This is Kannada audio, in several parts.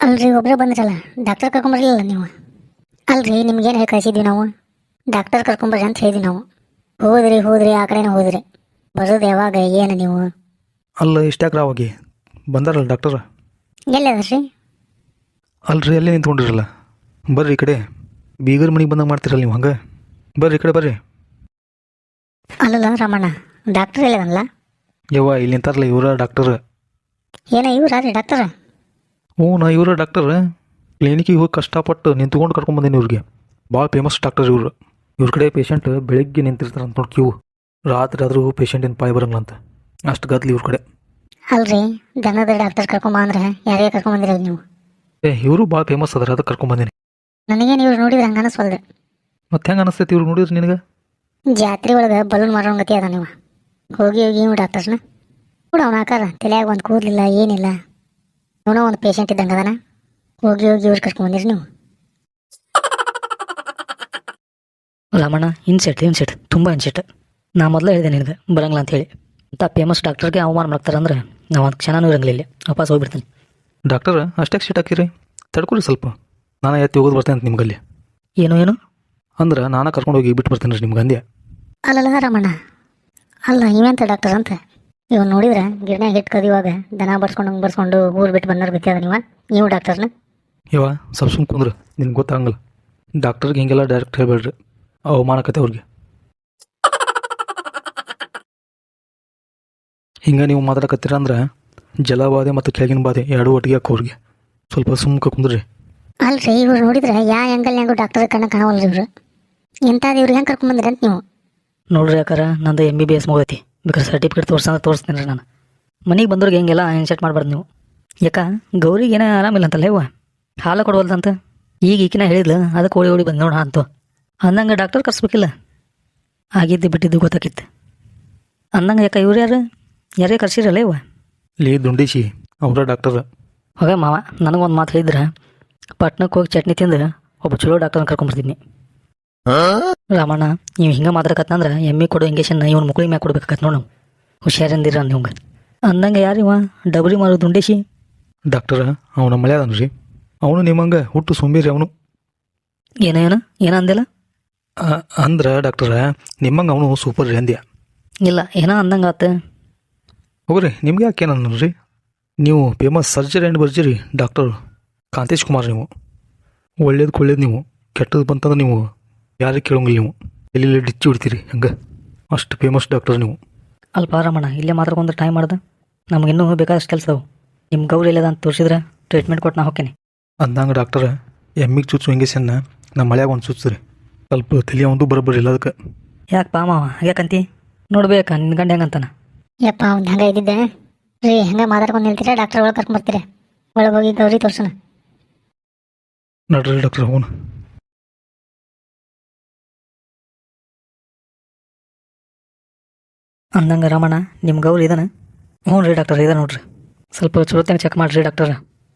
ಅಲ್ರಿ ಒಬ್ಬರೇ ಬಂದ್ರಲ್ಲ, ಡಾಕ್ಟರ್ ಕರ್ಕೊಂಬರ್ಲಿಲ್ಲ ನೀವು? ಅಲ್ರಿ ನಿಮ್ಗೇನು ಹೇಳಿ ಕಳಿಸಿದ್ವಿ ನಾವು? ಡಾಕ್ಟರ್ ಕರ್ಕೊಂಬರ್ರಿ ಅಂತ ಹೇಳಿದ್ವಿ ನಾವು. ಹೋದ್ರಿ ಆ ಕಡೆನೇ ಹೋದ್ರಿ. ಬರೋದು ಯಾವಾಗ ಏನು ನೀವು? ಅಲ್ಲ ಇಷ್ಟ್ಯಾಕ್ರ ಹೋಗಿ ಬಂದಾರಲ್ಲ ಡಾಕ್ಟರ್. ಎಲ್ಲಿ ಅದರ್ರಿ? ಅಲ್ರಿ ಅಲ್ಲೇ ನಿಂತ್ಕೊಂಡಿರಲ್ಲ. ಬರ್ರಿ ಈ ಕಡೆ. ಬೀಗರ ಮನೆಗೆ ಬಂದಂಗೆ ಮಾಡ್ತೀರಲ್ಲ ನೀವು ಹಂಗೆ. ಬರ್ರಿ ಈ ಕಡೆ ಬರ್ರಿ. ಅಲ್ಲಲ್ಲ ರಾಮಣ್ಣ, ಡಾಕ್ಟರ್ ಎಲ್ಲದಲ್ಲ? ಯವ್ವ ಇಲ್ಲಿ ನಿಂತಾರಲ್ಲ ಇವರ ಡಾಕ್ಟರ್. ಏನ ಇವ್ರಿ ಡಾಕ್ಟರ್? ಹ್ಞೂ ನಾ ಇವರ ಡಾಕ್ಟರ್. ಕ್ಲಿನಿಕಿಗೆ ಹೋಗಿ ಕಷ್ಟಪಟ್ಟು ನಿಂತ್ಕೊಂಡು ಕರ್ಕೊಂಬಂದೇನಿ ಇವ್ರಿಗೆ. ಭಾಳ ಫೇಮಸ್ ಡಾಕ್ಟರ್ ಇವರು. ಇವ್ರ ಕಡೆ ಪೇಷಂಟ್ ಬೆಳಗ್ಗೆ ನಿಂತಿರ್ತಾರೆ ಅಂತ ನೋಡಿ ಕ್ಯೂ. ರಾತ್ರಿ ಆದರೂ ಪೇಷಂಟಿನ ಪಾಯಿ ಬರಂಗಿಲ್ಲ ಅಂತ ಅಷ್ಟು ಗದ್ಲಿ ಇವ್ರ ಕಡೆ. ಅಲ್ರಿ ದನದ ಡಾಕ್ಟರ್ ಕರ್ಕೊಂಬ ಅಂದ್ರೆ ಯಾರಿಗೆ ಕರ್ಕೊಂಬಂದಿರಲ್ಲ ನೀವು? ಇವರು ಭಾಳ ಫೇಮಸ್ ಅದಾರ, ಅದಕ್ಕೆ ಕರ್ಕೊಂಬಂದೇನಿ. ನನಗೇನು ಇವ್ರು ನೋಡಿದ್ರೆ ಹಂಗೆ ಅನಿಸ್ವಲ್ದು. ಮತ್ತೆ ಹೆಂಗೆ ಅನಿಸ್ತೈತಿ ಇವ್ರು ನೋಡಿದ್ರಿ ನಿನಗೆ? ಜಾತ್ರೆ ಒಳಗೆ ಬಲೂನ್ ಮಾರೋಂಗತಿ ಅದ ನೀವು. ಹೋಗಿ ಇವ್ ಡಾಕ್ಟರ್ಸ್ನ ಕೂಡ ಅವನ ಆಕಾರ ತಲೆಯಾಗ ಒಂದು ಕೂದಲಿಲ್ಲ ಏನಿಲ್ಲ. ಇವನೋ ಒಂದು ಪೇಷಂಟ್ ಇದ್ದಂಗೆ ಅದಾನ. ಹೋಗಿ ಇವ್ರು ಕರ್ಕೊಂಬಂದಿರಿ ನೀವು. ರಾಮಣ್ಣ ಇನ್ಸೆಟ್ ತುಂಬ ಇನ್ಸೆಟ್. ನಾ ಮೊದಲೇ ಹೇಳಿದೆ ನಿನಗೆ ಬರಂಗಿಲ್ಲ ಅಂತ ಹೇಳಿ. ಅಂತ ಫೇಮಸ್ ಡಾಕ್ಟರ್ಗೆ ಅವಮಾನ ಮಾಡ್ತಾರೆ ಅಂದ್ರೆ ನಾವು ಒಂದು ಕ್ಷಣನೂ ಇರಂಗಿಲ್ಲ ಇಲ್ಲಿ. ವಾಪಸ್ ಹೋಗ್ಬಿಡ್ತೀನಿ. ಡಾಕ್ಟರ್ ಅಷ್ಟೇ ಸೀಟ್ ಹಾಕಿರಿ, ತಡ್ಕೊರಿ ಸ್ವಲ್ಪ. ನಾನು ಎತ್ತಿ ಹೋಗೋದು ಬರ್ತೇನೆ ಅಂತ ನಿಮ್ಗಲ್ಲಿ. ಏನು ಅಂದ್ರೆ ನಾನು ಕರ್ಕೊಂಡು ಹೋಗಿ ಬಿಟ್ಟು ಬರ್ತೀನಿ ರೀ ನಿಮ್ಗೆ ಅಂದೆ. ಅಲ್ಲಲ್ಲ ರಾಮಣ್ಣ, ಅಲ್ಲ ಇವೆಂತ ಡಾಕ್ಟರ್ ಅಂತ. ಇವ್ ನೋಡಿದ್ರೆ ಗಿಡನ್ಯಾಗ ಹಿಟ್ಟು ಕದಿಯುವಾಗ ದನ ಬರ್ಸ್ಕೊಂಡು ಊರು ಬಿಟ್ಟು ಬಂದವ್ರು ಗೊತ್ತದ ನೀವು ಡಾಕ್ಟರ್ನ? ಯವ್ವ ಸ್ವಲ್ಪ ಸುಮ್ ಕುಂದ್ರೆ ನಿನ್ಗೆ ಗೊತ್ತಾಗಂಗಿಲ್ಲ. ಡಾಕ್ಟರ್ಗೆ ಹಿಂಗೆಲ್ಲ ಡೈರೆಕ್ಟ್ ಹೇಳ್ಬೇಡ್ರಿ, ಅವಮಾನಕತೆ ಅವ್ರಿಗೆ. ಹಿಂಗೆ ನೀವು ಮಾತಾಡಕತ್ತೀರ ಅಂದ್ರೆ ಜಲಬಾಧೆ ಮತ್ತು ಕೆಳಗಿನ ಬಾಧೆ ಎರಡೂ ಒಟ್ಟಿಗೆ ಹಾಕೋ ಅವ್ರಿಗೆ. ಸ್ವಲ್ಪ ಸುಮ್ಕ ಕುಂದ್ರಿ. ಅಲ್ರಿ ಇವ್ರು ನೋಡಿದ್ರೆ ಯಾವ ಆ್ಯಂಗಲ್ನ್ಯಾಗೂ ಡಾಕ್ಟರ್ ಕಣ್ಣ ಕಾಣವಲ್ರಿ ಇವ್ರು. ಎಂಥದ್ದು ಇವ್ರಿಗೆ ಹೆಂಗೆ ಕರ್ಕೊಂಬಂದ್ರಿ ಅಂತ ನೀವು? ನೋಡ್ರಿ ಯಾಕಾರ ನಂದು MBBS ಮುಗೈತಿ. ಬೇಕಾದ್ರೆ ಸರ್ಟಿಫಿಕೇಟ್ ತೋರಿಸ್ತೀನಿ ರೀ ನಾನು. ಮನೆಗೆ ಬಂದವ್ರಿಗೆ ಹಿಂಗೆಲ್ಲ ಇನ್ಸೆಟ್ ಮಾಡಬಾರ್ದು ನೀವು. ಯಾಕ ಗೌರಿಗೆ ಏನೋ ಆರಾಮಿಲ್ಲ ಅಂತಲ್ಲ ಇವ, ಹಾಲು ಕೊಡ್ವಲ್ದಂತ. ಈಗ ಈಕಿನ ಹೇಳಿದ್ಲು, ಅದಕ್ಕೆ ಓಡಿ ಬಂದು ನೋಡ ಅಂತು. ಅಂದಂಗೆ ಡಾಕ್ಟರ್ ಕರ್ಸ್ಬೇಕಿಲ್ಲ, ಆಗಿದ್ದು ಬಿಟ್ಟಿದ್ದು ಗೊತ್ತಾಕಿತ್ತು. ಅಂದಂಗೆ ಯಾಕ ಇವ್ರು ಯಾರೇ ಕರ್ಸಿರಲ್ಲ ಇವ? ಲೇ ದುಂಡೀಶಿ ಅವರ ಡಾಕ್ಟರ್. ಹೋಗ ಮಾವ, ನನಗೊಂದು ಮಾತು ಹೇಳಿದ್ರೆ ಪಟ್ನಕ್ಕೆ ಹೋಗಿ ಚಟ್ನಿ ತಿಂದು ಒಬ್ಬ ಚಲೋ ಡಾಕ್ಟರ್ನ ಕರ್ಕೊಂಡ್ಬರ್ತಿದ್ನಿ. ರಾಮಣ್ಣ ನೀವು ಹಿಂಗೆ ಮಾತಾಡಕತ್ತಂದ್ರೆ ಎಮ್ಮಿ ಕೊಡೋ ಇಂಜೆಕ್ಷನ್ ಇವನು ಮುಕ್ಳಿ ಮ್ಯಾಗ ಕೊಡ್ಬೇಕಾಗತ್ತೆ ನೋಡು. ಹುಷಾರಿಂದಿರ ನಿಮ್ಗೆ. ಅಂದಂಗೆ ಯಾರಿವ ಡಬ್ರಿ ಮಾರೋ ದುಂಡೇಶಿ? ಡಾಕ್ಟರ್ ಅವನ ಮಳೆ ಅದನ್ರಿ. ಅವನು ನಿಮ್ಮಂಗೆ ಹುಟ್ಟು ಸುಂಬಿರಿ ಅವನು. ಏನಂದಿಲ್ಲ ಅಂದ್ರೆ ಡಾಕ್ಟರ್ ನಿಮ್ಮಂಗೆ ಅವನು ಸೂಪರ್ ರೀ ಅಂದ್ಯ. ಇಲ್ಲ ಏನೋ ಅಂದಂಗೆ ಆತ. ಹೋಗ್ರಿ ನಿಮ್ಗೆ ಯಾಕೆ ಏನನ್ರಿ? ನೀವು ಫೇಮಸ್ ಸರ್ಜರಿ ಆ್ಯಂಡ್ ಬರ್ಜರಿ ಡಾಕ್ಟರ್ ಕಾಂತೇಶ್ ಕುಮಾರ್. ನೀವು ಒಳ್ಳೇದು ನೀವು, ಕೆಟ್ಟದ್ದು ಬಂತಂದ್ರೆ ನೀವು ಯಾರಿಗೆ ಕೇಳೋಂಗಿಲ್ಲ. ನೀವು ಎಲ್ಲಿ ಡಿಚ್ಚಿ ಬಿಡ್ತೀರಿ ಹಂಗೆ, ಅಷ್ಟು ಫೇಮಸ್ ಡಾಕ್ಟರ್ ನೀವು. ಅಲ್ಪ ರಮಣ ಇಲ್ಲೇ ಮಾತಾಡ್ಕೊಂಡು ಟೈಮ್ ಮಾಡ್ದೆ. ನಮಗಿನ್ನೂ ಬೇಕಾದಷ್ಟು ಕೆಲಸ ಅವು. ನಿಮ್ಮ ಗೌರಿ ಎಲ್ಲದ ಅಂತ ತೋರಿಸಿದ್ರೆ ಟ್ರೀಟ್ಮೆಂಟ್ ಕೊಟ್ಟು ನಾ ಹೋಗ್ತೀನಿ. ಅಂದಂಗೆ ಡಾಕ್ಟರ್ ಎಮ್ಮಿಗೆ ಚುಚ್ಚು ಇಂಜೆಕ್ಷನ್ನ ನಮ್ಮ ಮಳೆಯಾಗ ಒಂದು ಚುಚ್ಚ್ರಿ. ಸ್ವಲ್ಪ ತಲೆ ಒಂದು ಬರೋಬ್ಬರಿ ಇಲ್ಲ ಅದಕ್ಕೆ. ಯಾಕೆ ಪಾ ಮಾವ ಯಾಕಂತಿ? ನೋಡ್ಬೇಕಾ ನಿನ್ನ ಗಂಡ ಹೆಂಗಂತಾನ? ಯಪ್ಪ ಅವ್ನು ಹಂಗೆ ಇದ್ದಿದ್ದೆ ರೀ. ಹಂಗೆ ಮಾತಾಡ್ಕೊಂಡು ನಿಲ್ತೀರಾ? ಡಾಕ್ಟರ್ ಒಳಗೆ ಕರ್ಕೊಂಬರ್ತೀರಾ? ಒಳಗೆ ಹೋಗಿ ಗೌರಿ ತೋರ್ಸೋಣ. ನೋಡ್ರಿ ಡಾಕ್ಟರ್ ಅವನು. ಅಂದಂಗೆ ರಮಣ ನಿಮ್ಮ ಗೌರಿ ಇದಾನ? ಹ್ಞೂ ರೀ ಡಾಕ್ಟರ್ ಇದೆ ನೋಡ್ರಿ. ಸ್ವಲ್ಪ ಚಲೋತ್ತಂಗೆ ಚೆಕ್ ಮಾಡಿರಿ ಡಾಕ್ಟರ್.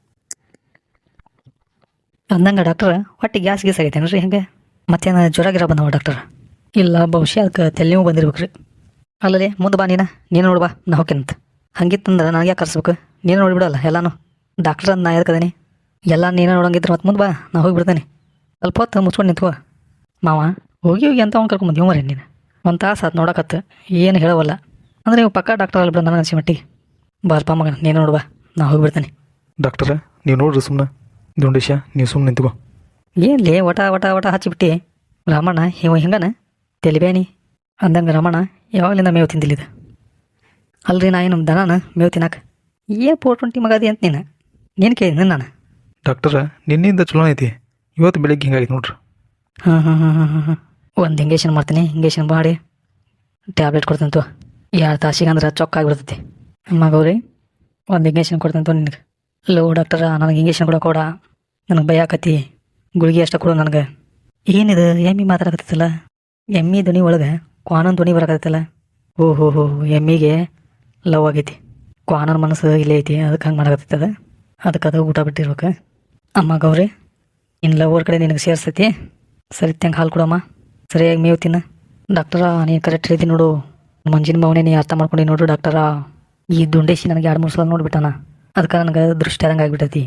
ಅಂದಂಗೆ ಡಾಕ್ಟರ್ ಹೊಟ್ಟೆ ಗ್ಯಾಸ್ ಆಗೈತೇನು ರೀ? ಹಂಗೆ ಮತ್ತೇನು ಜ್ವರ ಗಿರ ಬಂದವ ಡಾಕ್ಟರ್? ಇಲ್ಲ ಬಹುಶಃ ಅದಕ್ಕೆ ತೆಲಿನೂ ಬಂದಿರ್ಬೇಕು ರೀ. ಅಲ್ಲಲ್ಲಿ ಮುಂದೆ ಬಾ ನೀನು ನೋಡು ಬಾ, ನಾ ಹೋಗ್ಯಂತ. ಹಂಗಿತ್ತಂದ್ರೆ ನನಗೆ ಯಾಕೆ ಕರ್ಸ್ಬೇಕು? ನೀನು ನೋಡಿಬಿಡಲ್ಲ ಎಲ್ಲಾನು. ಡಾಕ್ಟರ್ ಅಂತ ನಾ ಎದಕ್ಕದೇನಿ ಎಲ್ಲ ನೀನು ನೋಡಂಗಿದ್ರೆ ಮತ್ತೆ ಮುಂದೆ ಬಾ, ನಾ ಹೋಗಿಬಿಡ್ತೇನೆ. ಸ್ವಲ್ಪ ಹೊತ್ತು ಮುಚ್ಕೊಂಡು ನಿಂತ್ಕೋ ಮಾವ. ಹೋಗಿ ಅಂತ ಅವ್ನು ಕರ್ಕೊಂಬಂದು ಮರಿ ನೀನು. ಒಂದು ತಾಸು ಆತು ನೋಡಕತ್ತು, ಏನು ಹೇಳವಲ್ಲ ಅಂದರೆ ನೀವು ಪಕ್ಕ ಡಾಕ್ಟರ್ ಅಲ್ಲ ಬಿಡ ನನಗೆ ಅನ್ಸಿ ಮಟ್ಟಿಗೆ. ಬಾರಪ್ಪ ಮಗ ನೀನು ನೋಡು ಬಾ, ನಾ ಹೋಗಿಬಿಡ್ತೇನೆ. ಡಾಕ್ಟರ್ ನೀವು ನೋಡ್ರಿ ಸುಮ್ಮನೆ. ದುಂಡೇಶ ನೀವು ಸುಮ್ಮನೆ ನಿಂತ್ಕೋ. ಏನ್ಲೇ ವಟ ಹಚ್ಚಿಬಿಟ್ಟು ರಾಮಣ್ಣ ಹಿಂಗನ ತೆಲಿಬೇನಿ. ಅಂದಂಗೆ ರಮಣ ಯಾವಾಗಲಿಂದ ಮೇವು ತಿಂದಿಲ್ಲಿದೆ ಅಲ್ರಿ? ನಾ ಏನು ದನಾನ ಮೇವು ತಿನ್ನಕ್ಕೆ? ಏನು 420 ಮಗದಿ ಅಂತ ನೀನು ಕೇಳಿದ್ನಿ ನಾನು. ಡಾಕ್ಟರ ನಿನ್ನಿಂದ ಚಲೋ ಐತಿ, ಇವತ್ತು ಬೆಳಿಗ್ಗೆ ಹಿಂಗಾಗಿತ್ತು ನೋಡ್ರಿ. ಹಾಂ ಒಂದು ಇಂಜೆಕ್ಷನ್ ಮಾಡ್ತೀನಿ. ಇಂಜೆಕ್ಷನ್ ಮಾಡಿ ಟ್ಯಾಬ್ಲೆಟ್ ಕೊಡ್ತೀನಿ ತೋ. 2 ತಾಸಿಗೆ ಅಂದ್ರೆ ಚೊಕ್ಕಾಗಿಬಿಡ್ತೈತಿ. ಅಮ್ಮ ಗೌರಿ ಒಂದು ಇಂಜೆಕ್ಷನ್ ಕೊಡ್ತೀನಿ ತೋ ನಿನಗೆ. ಲೋ ಡಾಕ್ಟರ ನನಗೆ ಇಂಜೆಕ್ಷನ್ ಕೊಡೋಕೋಡ, ನನಗೆ ಭಯ ಆಕತಿ. ಗುಳಿಗೆ ಅಷ್ಟ ಕೊಡು ನನಗೆ. ಏನಿದು ಎಮ್ಮಿ ಮಾತಾಡಕತ್ತಲ್ಲ? ಎಮ್ಮಿ ಧ್ವನಿ ಒಳಗೆ ಕ್ವಾನನ್ ಧ್ವನಿ ಬರಕತ್ತಲ್ಲ. ಓಹೋ ಎಮ್ಮಿಗೆ ಲವ್ ಆಗೈತಿ. ಕ್ವಾನನ್ ಮನಸ್ಸು ಇಲ್ಲೇ ಐತಿ, ಅದಕ್ಕೆ ಹಂಗೆ ಮಾಡಕತ್ತದ. ಅದಕ್ಕೆ ಅದು ಊಟ ಬಿಟ್ಟಿರ್ಬೇಕು. ಅಮ್ಮ ಗೌರಿ ಇನ್ನು ಲವರ್ ಕಡೆ ನಿನಗೆ ಸೇರ್ಸೈತಿ. ಸರಿ ತಂಗೆ ಹಾಲು ಕೊಡಮ್ಮ, ಸರಿಯಾಗಿ ಮೇವು ತಿನ್ನ. ಡಾಕ್ಟರ ನೀನು ಕರೆಕ್ಟ್ ಹೇಳ್ತೀನಿ ನೋಡು. ಮಂಜಿನ ಭಾವನೆ ನೀ ಅರ್ಥ ಮಾಡ್ಕೊಂಡು ನೋಡು ಡಾಕ್ಟರ. ಈ ದುಂಡೇಶಿ ನನಗೆ 2-3 ಸಲ ನೋಡ್ಬಿಟ್ಟಾನ, ಅದಕ್ಕೆ ನನಗೆ ದೃಷ್ಟಿ ಆದಂಗೆ ಆಗಿಬಿಟ್ಟೈತಿ.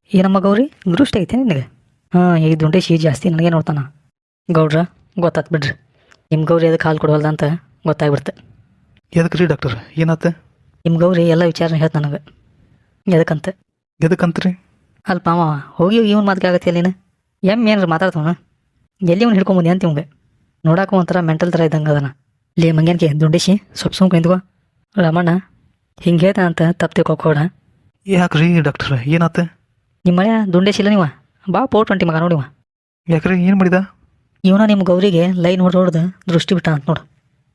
ಏನಮ್ಮ ಗೌರಿ ದೃಷ್ಟಿ ಐತೆ ನಿನಗೆ ಹಾಂ ಈಗ ದುಂಡೇಶಿ ಜಾಸ್ತಿ ನನಗೆ ನೋಡ್ತಾನ ಗೌಡ್ರ ಗೊತ್ತಾತ್ ಬಿಡ್ರಿ ನಿಮ್ಮ ಗೌರಿ ಅದಕ್ಕೆ ಹಾಲು ಕೊಡವಲ್ದ ಅಂತ ಗೊತ್ತಾಗ್ಬಿಡ್ತು ಎದಕ್ಕೆ ರೀ ಡಾಕ್ಟರ್ ಏನಾತ ನಿಮ್ಮ ಗೌರಿ ಎಲ್ಲ ವಿಚಾರನ ಹೇಳ್ತ ನನಗೆ ಎದಕ್ಕಂತ ಎದಕ್ಕಂತ್ರಿ ಅಲ್ಪ ಮಾವ ಹೋಗಿ ಇವನ್ ಮಾತಿಗೆ ಆಗತ್ತೆ ನೀನು ಏನಾರು ಮಾತಾಡ್ತವನ ಎಲ್ಲಿ ಅವ್ನು ಹಿಡ್ಕೊಂಬಂದಿ ಅಂತ ಇವಂಗೆ ನೋಡಾಕ ಒಂಥರ ಮೆಂಟಲ್ ಥರ ಇದ್ದಂಗೆ ಅದನ ಲೇ ಮಂಗ್ಯಾನ್ಕೆ ದುಂಡೇಶಿ ಸ್ವಲ್ಪ ಸುಮ್ಕ ನಿಂತ್ಕೋ ರಮಣ್ಣ ಹಿಂಗೆ ಹೇಳ್ತಾನ ಅಂತ ತಪ್ಪು ತಿಳ್ಕೊಬೇಡ ಯಾಕ್ರಿ ಡಾಕ್ಟರ್ ಏನಾತ ನಿಮ್ಮ ಮಳೆ ದುಂಡೇಶಿ ಇಲ್ಲ ನೀವ ಬಾ ಪೋಟ್ ಹೊಂಟಿ ಮಗ ನೋಡಿವ ಯಾಕ್ರಿ ಏನು ಮಾಡಿದ ಇವನ ನಿಮ್ಮ ಗೌರಿಗೆ ಲೈನ್ ಹೊಡೆದು ದೃಷ್ಟಿ ಬಿಟ್ಟ ಅಂತ ನೋಡು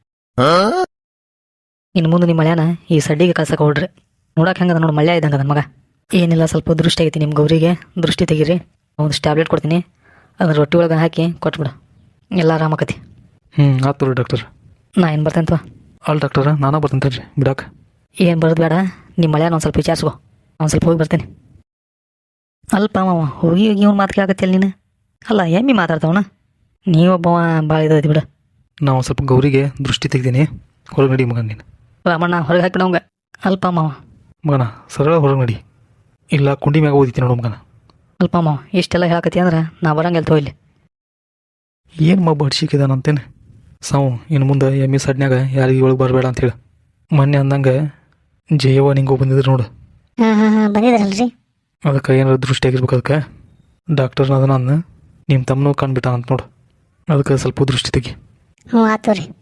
ಇನ್ನು ಮುಂದೆ ನಿಮ್ಮ ಮಳ್ಯಾನ ಈ ಸಡ್ಡಿಗೆ ಕಳ್ಸಕ್ಕೆ ಹೊಡ್ರಿ ನೋಡಕ್ಕೆ ಹೆಂಗದ ನೋಡು ಮಳ್ಯ ಇದ್ದಂಗೆ ಅದನ್ನ ಮಗ ಏನಿಲ್ಲ ಸ್ವಲ್ಪ ದೃಷ್ಟಿ ಆಗೈತಿ ನಿಮ್ಮ ಗೌರಿಗೆ ದೃಷ್ಟಿ ತೆಗೀರಿ ಒಂದಿಷ್ಟು ಟ್ಯಾಬ್ಲೆಟ್ ಕೊಡ್ತೀನಿ ಅದನ್ನ ರೊಟ್ಟಿ ಒಳಗೆ ಹಾಕಿ ಕೊಟ್ಬಿಡು ಎಲ್ಲ ಆರಾಮಾಕತಿ ಆತು ರೀ ಡಾಕ್ಟರ್ ನಾ ಏನು ಬರ್ತೇನೆ ಅಲ್ಲ ಡಾಕ್ಟರ್ ನಾನಾ ಬರ್ತೇನೆ ರೀ ಬಿಡಾಕ ಏನು ಬರೋದು ಬೇಡ ನಿಮ್ಮ ಮಳ್ಯಾನ ಒಂದು ಸ್ವಲ್ಪ ವಿಚಾರಿಸ್ಕೊ ಒಂದು ಸ್ವಲ್ಪ ಹೋಗಿ ಬರ್ತೇನೆ ಅಲ್ಪ ಮಾವ ಹೋಗಿ ಹೋಗಿ ಇವ್ನು ಮಾತು ಕೇಳಕತ್ತಿಲ್ಲ ನೀನು ಅಲ್ಲ ಎಮ್ಮಿ ಮಾತಾಡ್ತಾವನ ನೀವೊಬ್ಬವ ಭಾಳ ಇದೈತಿ ಬಿಡು ನಾವು ಸ್ವಲ್ಪ ಗೌರಿಗೆ ದೃಷ್ಟಿ ತೆಗ್ದೀನಿ ಹೊರಗೆ ನಡಿ ಮಗನ ನೀನು ರಾಮಣ್ಣ ಹೊರಗೆ ಹಾಕಿಡವಂಗ ಅಲ್ಪ ಮಾವ ಮಗನ ಸರಳ ಹೊರಗೆ ನಡಿ ಇಲ್ಲ ಕುಂಡಿ ಮ್ಯಾಗ ಓದಿತೀನಿ ನೋಡು ಮಗನ ಅಲ್ಪ ಮಾವ ಇಷ್ಟೆಲ್ಲ ಹೇಳಕತ್ತಿ ಅಂದ್ರೆ ನಾ ಬರಂಗಿಲ್ಲ ತೋ ಇಲ್ಲಿ ಏನು ಮಬ್ಬ ಹಡ್ಸಿಕಿದಾನಂತೇನೆ ಸಾವು ಇನ್ನು ಮುಂದೆ ಎಮ್ಮಿ ಸಡ್ನ್ಯಾಗ ಯಾರಿಗೆ ಒಳಗೆ ಬರಬೇಡ ಅಂತೇಳಿ ಮೊನ್ನೆ ಅಂದಂಗೆ ಜಯವ ನಿಂಗೂ ಬಂದಿದ್ರು ನೋಡು ಹಾಂ ಬಂದಿದ್ರಲ್ರಿ ಅದಕ್ಕೆ ಏನಾರು ದೃಷ್ಟಿ ಆಗಿರ್ಬೇಕು ಅದಕ್ಕೆ ಡಾಕ್ಟರ್ನ ಅದನ್ನ ನಿಮ್ಮ ತಮ್ಮನೂ ಕಂಡುಬಿಟ್ಟ ಅಂತ ನೋಡು ಅದಕ್ಕೆ ಸ್ವಲ್ಪ ದೃಷ್ಟಿ ತೆಗಿ ಹ್ಞೂ ಆತು ರೀ